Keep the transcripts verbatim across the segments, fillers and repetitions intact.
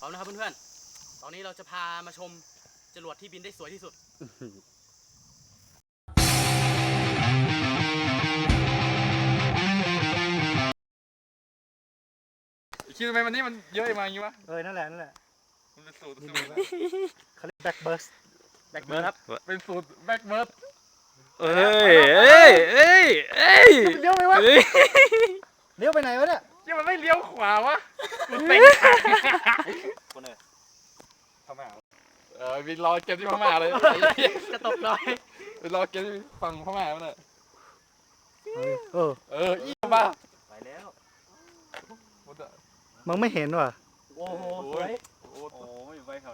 พร้อมนะครับเพื่อนๆตอนนี้เราจะพามาชมจรวดที่บินได้สวยที่สุดคิดทำไมวันนี้มันเยอะมาอย่างนี้วะเออนั่นแหละนั่นแหละมันเป็นสูตรเขาเรียกแบ็กเบิร์สแบ็คเบิร์ดครับเป็นสูตรแบ็กเบิร์ดเอ้ยเอ้ยเอ้ยเอ้ยเลี้ยวไปวะเอ้ยเลี้ยวไปไหนวะเนี่ยยังมันไม่เลี้ยวขวาวะมันเต็งคนเนี่ยพม่าเออวินรอเกมที่พม่าเลยจะตกหน่อยวินรอเกมที่ฝั่งพม่ามันเลยเออเอออีมาไปแล้วมึงไม่เห็นว่ะโอ้โหสวยโอ้โหอยู่ไปเขา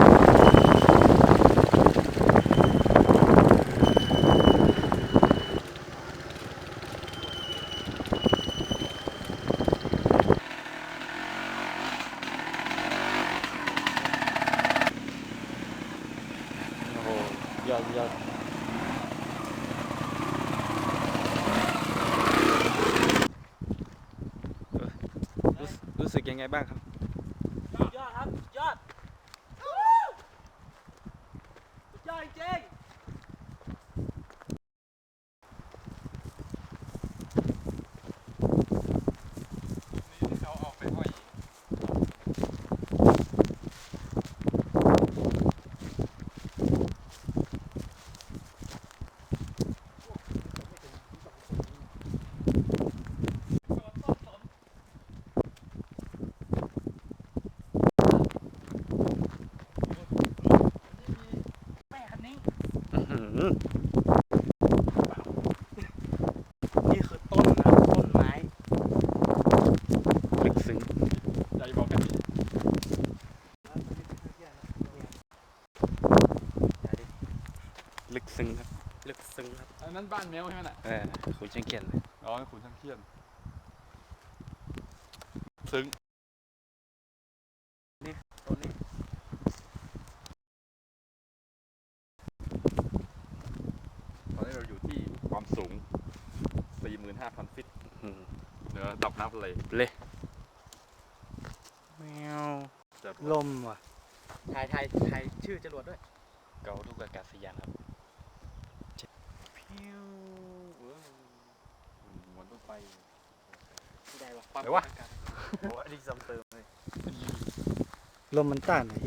โอ้โหยอดยอดรู้รู้สึกยังไงบ้างครับยอดครับยอดยอดจริงนี่เขาออกไปห้อยแม่คันนี้อื้อหือนี่คือต้นนะต้นไม้ลึกซึ้งใจบอกกันลึกซึ้งครับลึกซึ้งครับอันนั้นบ้านแมวใช่ไหมน่ะเออคุณเชียงเขียนเลยอ๋อขุนช่างเทียนซึ้งต้นนี้ตอนนี้เราอยู่ที่ความสูง สี่หมื่นห้าพัน ฟิตอืมเหนือระดับน้ำทะเลเลยแมวจะลมว่ะถ่ายถ่ายถ่ายชื่อจรวดด้วยเกาลูกอากาศยานครับพิวเหมือนต้นไปที่ใดวะความไหนวะโอ้อันนี้ซ้ำเติมเลยลมมันต้านไหน